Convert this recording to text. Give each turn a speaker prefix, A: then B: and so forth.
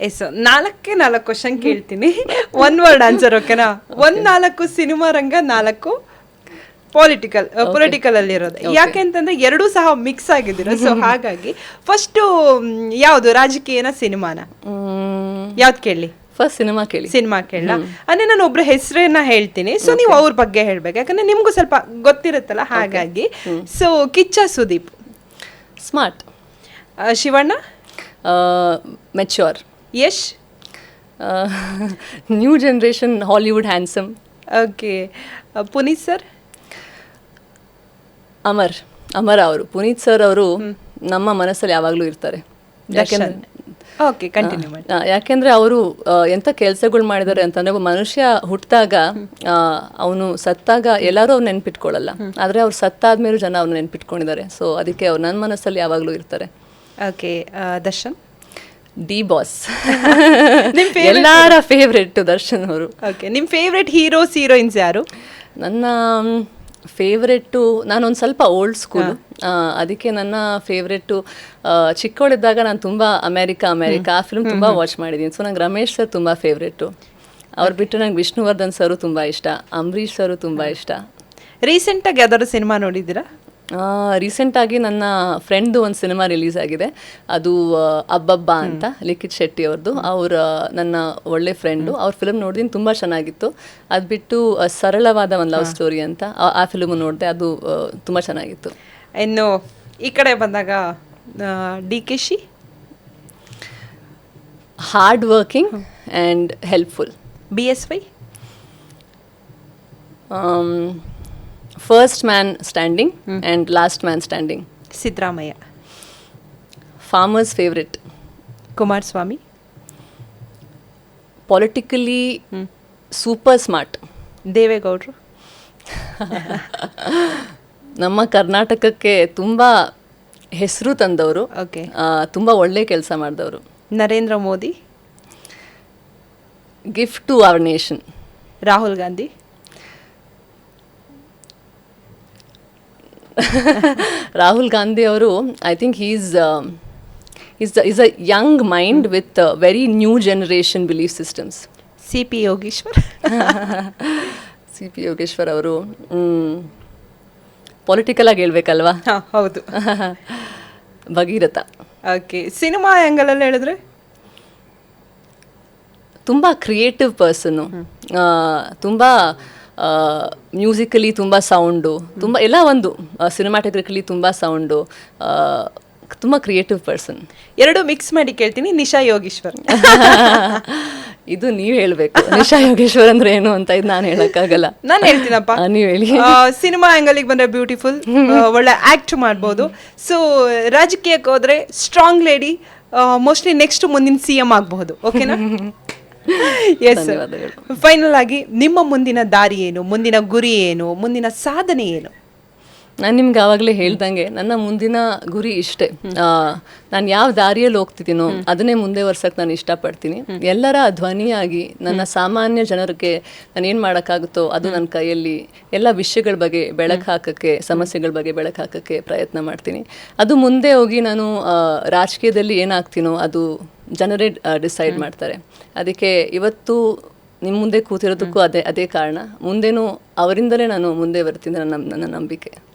A: S, 4 question ಕೇಳ್ತೀನಿ, 1 word answer, ಓಕೆನಾ? 4 cinema ರಂಗ, 4 political ಅಲ್ಲಿರೋದು. ಯಾಕೆ ಅಂತಂದ್ರೆ ಎರಡೂ ಸಹ ಮಿಕ್ಸ್ ಆಗಿದ್ದೀರ, ಸೊ ಹಾಗಾಗಿ ಫಸ್ಟ್ ಯಾವ್ದು, ರಾಜಕೀಯನ ಸಿನಿಮಾನ? ಯಾವ್ದು ಕೇಳಿ?
B: ಫಸ್ಟ್ ಸಿನಿಮಾ ಕೇಳಿ.
A: ಸಿನಿಮಾ ಕೇಳ ಅಂದ್ರೆ ನಾನು ಒಬ್ರ ಹೆಸರನ್ನ ಹೇಳ್ತೀನಿ, ಸೊ ನೀವು ಅವ್ರ ಬಗ್ಗೆ ಹೇಳ್ಬೇಕು, ಯಾಕಂದ್ರೆ ನಿಮ್ಗೂ ಸ್ವಲ್ಪ ಗೊತ್ತಿರುತ್ತಲ್ಲ ಹಾಗಾಗಿ. So Kiccha Sudeep
B: smart,
A: Shivanna
B: mature,
A: Yash
B: new generation Hollywood handsome,
A: okay, Puneeth sir
B: ಅಮರ ಅವರು. ಪುನೀತ್ ಸರ್ ಅವರು ನಮ್ಮ ಮನಸ್ಸಲ್ಲಿ ಯಾವಾಗಲೂ ಇರ್ತಾರೆ.
A: ಓಕೆ, ಕಂಟಿನ್ಯೂ ಮಾಡಿ.
B: ಯಾಕೆಂದ್ರೆ ಅವರು ಎಂಥ ಕೆಲಸಗಳು ಮಾಡಿದ್ದಾರೆ ಅಂತಂದ್ರೆ, ಮನುಷ್ಯ ಹುಟ್ಟಿದಾಗ ಅವನು ಸತ್ತಾಗ ಎಲ್ಲರೂ ಅವ್ರು ನೆನ್ಪಿಟ್ಕೊಳ್ಳಲ್ಲ, ಆದರೆ ಅವ್ರು ಸತ್ತಾದ್ಮೇಲೂ ಜನ ಅವ್ರು ನೆನ್ಪಿಟ್ಕೊಂಡಿದ್ದಾರೆ. ಸೊ ಅದಕ್ಕೆ ಅವ್ರು ನನ್ನ ಮನಸ್ಸಲ್ಲಿ ಯಾವಾಗಲೂ ಇರ್ತಾರೆ.
A: ಓಕೆ, ದರ್ಶನ್
B: ಡಿ ಬಾಸ್ ಎಲ್ಲರ ಫೇವ್ರೆಟ್ ದರ್ಶನ್ ಅವರು.
A: ಓಕೆ, ನಿಮ್ಮ ಫೇವ್ರೆಟ್ ಹೀರೋಸ್ ಹೀರೋಯಿನ್ಸ್ ಯಾರು?
B: ನನ್ನ ಫೇವ್ರೆಟ್ಟು, ನಾನೊಂದು ಸ್ವಲ್ಪ ಓಲ್ಡ್ ಸ್ಕೂಲು, ಅದಕ್ಕೆ ನನ್ನ ಫೇವ್ರೆಟ್ಟು ಚಿಕ್ಕವಳಿದ್ದಾಗ ನಾನು ತುಂಬ ಅಮೇರಿಕಾ ಆ ಫಿಲ್ಮ್ ತುಂಬ ವಾಚ್ ಮಾಡಿದ್ದೀನಿ. ಸೊ ನಂಗೆ ರಮೇಶ್ ಸರ್ ತುಂಬ ಫೇವ್ರೆಟ್ಟು. ಅವ್ರು ಬಿಟ್ಟು ನಂಗೆ ವಿಷ್ಣುವರ್ಧನ್ ಸರು ತುಂಬ ಇಷ್ಟ, ಅಂಬರೀಷ್ ಸರು ತುಂಬ ಇಷ್ಟ.
A: ರೀಸೆಂಟಾಗಿ ಯಾವ್ದಾದ್ರು ಸಿನಿಮಾ ನೋಡಿದ್ದೀರಾ?
B: ರೀಸೆಂಟಾಗಿ ನನ್ನ ಫ್ರೆಂಡ್ದು ಒಂದು ಸಿನಿಮಾ ರಿಲೀಸ್ ಆಗಿದೆ, ಅದು ಅಬ್ಬಬ್ಬ ಅಂತ, ಲಿಖಿತ್ ಶೆಟ್ಟಿ ಅವ್ರದ್ದು. ಅವ್ರ ನನ್ನ ಒಳ್ಳೆ ಫ್ರೆಂಡು, ಅವ್ರ ಫಿಲ್ಮ್ ನೋಡಿದ್ದೀನಿ, ತುಂಬ ಚೆನ್ನಾಗಿತ್ತು. ಅದು ಬಿಟ್ಟು ಸರಳವಾದ ಒಂದು ಲವ್ ಸ್ಟೋರಿ ಅಂತ ಆ ಫಿಲ್ಮ್ ನೋಡಿದೆ, ಅದು ತುಂಬ ಚೆನ್ನಾಗಿತ್ತು.
A: ಇನ್ನು ಈ ಕಡೆ ಬಂದಾಗ DKC
B: hard working and helpful.
A: BSY
B: first man standing and last man standing.
A: Siddaramaiah
B: farmers favourite.
A: Kumaraswamy
B: politically super smart.
A: ದೇವೇಗೌಡರು
B: ನಮ್ಮ ಕರ್ನಾಟಕಕ್ಕೆ ತುಂಬ ಹೆಸರು ತಂದವರು,
A: ಓಕೆ,
B: ತುಂಬ ಒಳ್ಳೆ ಕೆಲಸ ಮಾಡಿದವರು.
A: Narendra Modi
B: gift to our nation.
A: Rahul Gandhi
B: Rahul Gandhi ಅವರು, I think is a young mind with very new generation belief systems.
A: CP
B: Yogeshwar ಅವರು ಪೊಲಿಟಿಕಲ್ ಆಗಿ ಹೇಳ್ಬೇಕಲ್ವಾ?
A: ಹೌದು.
B: ಭಗೀರಥ.
A: ಓಕೆ, ಸಿನಿಮಾ ಆ್ಯಂಗಲಲ್ಲಿ ಹೇಳಿದ್ರೆ
B: ತುಂಬ ಕ್ರಿಯೇಟಿವ್ ಪರ್ಸನ್ನು, ತುಂಬ ಮ್ಯೂಸಿಕಲಿ ತುಂಬ ಸೌಂಡು, ತುಂಬ ಎಲ್ಲ ಒಂದು ಸಿನಿಮಾಟೋಗ್ರಫಿಕಲಿ ತುಂಬ ಸೌಂಡು, ತುಂಬ ಕ್ರಿಯೇಟಿವ್ ಪರ್ಸನ್.
A: ಎರಡು ಮಿಕ್ಸ್ ಮಾಡಿ ಕೇಳ್ತೀನಿ, ನಿಶಾ ಯೋಗೇಶ್ವರ್.
B: ಇದು ನೀವು ಹೇಳಬೇಕು, ನಿಶಾ ಯೋಗೇಶ್ವರ್ ಅಂದ್ರೆ ಏನು ಅಂತ. ಇದು ನಾನು ಹೇಳೋಕ್ಕಾಗಲ್ಲ,
A: ನಾನು ಹೇಳ್ತೀನಪ್ಪ,
B: ನೀವು ಹೇಳಿ.
A: ಸಿನಿಮಾ ಆ್ಯಂಗಲಿಗೆ ಬಂದರೆ ಬ್ಯೂಟಿಫುಲ್, ಒಳ್ಳೆ ಆ್ಯಕ್ಟ್ ಮಾಡ್ಬೋದು. ಸೊ ರಾಜಕೀಯಕ್ಕೆ ಹೋದರೆ ಸ್ಟ್ರಾಂಗ್ ಲೇಡಿ, ಮೋಸ್ಟ್ಲಿ ನೆಕ್ಸ್ಟ್ ಮುಂದಿನ CM ಆಗಬಹುದು. ಓಕೆನಾ? ಎಸ್. ಫೈನಲ್ ಆಗಿ ನಿಮ್ಮ ಮುಂದಿನ ದಾರಿ ಏನು, ಮುಂದಿನ ಗುರಿ ಏನು, ಮುಂದಿನ ಸಾಧನೆ ಏನು?
B: ನಾನು ನಿಮ್ಗೆ ಆವಾಗಲೇ ಹೇಳ್ದಂಗೆ ನನ್ನ ಮುಂದಿನ ಗುರಿ ಇಷ್ಟೇ. ನಾನು ಯಾವ ದಾರಿಯಲ್ಲಿ ಹೋಗ್ತಿದ್ದೀನೋ ಅದನ್ನೇ ಮುಂದೆ ವರ್ಷಕ್ಕೆ ನಾನು ಇಷ್ಟಪಡ್ತೀನಿ. ಎಲ್ಲರ ಧ್ವನಿಯಾಗಿ ನನ್ನ ಸಾಮಾನ್ಯ ಜನರಿಗೆ ನಾನು ಏನು ಮಾಡೋಕ್ಕಾಗುತ್ತೋ ಅದು ನನ್ನ ಕೈಯಲ್ಲಿ ಎಲ್ಲ ವಿಷಯಗಳ ಬಗ್ಗೆ ಬೆಳಕು ಹಾಕೋಕ್ಕೆ, ಸಮಸ್ಯೆಗಳ ಬಗ್ಗೆ ಬೆಳಕು ಹಾಕೋಕ್ಕೆ ಪ್ರಯತ್ನ ಮಾಡ್ತೀನಿ. ಅದು ಮುಂದೆ ಹೋಗಿ ನಾನು ರಾಜಕೀಯದಲ್ಲಿ ಏನಾಗ್ತೀನೋ ಅದು ಜನರೇ ಡಿಸೈಡ್ ಮಾಡ್ತಾರೆ. ಅದಕ್ಕೆ ಇವತ್ತು ನಿಮ್ಮ ಮುಂದೆ ಕೂತಿರೋದಕ್ಕೂ ಅದೇ ಕಾರಣ. ಮುಂದೇನೂ ಅವರಿಂದಲೇ ನಾನು ಮುಂದೆ ಬರ್ತೀನಿ, ನನ್ನ ನಂಬಿಕೆ.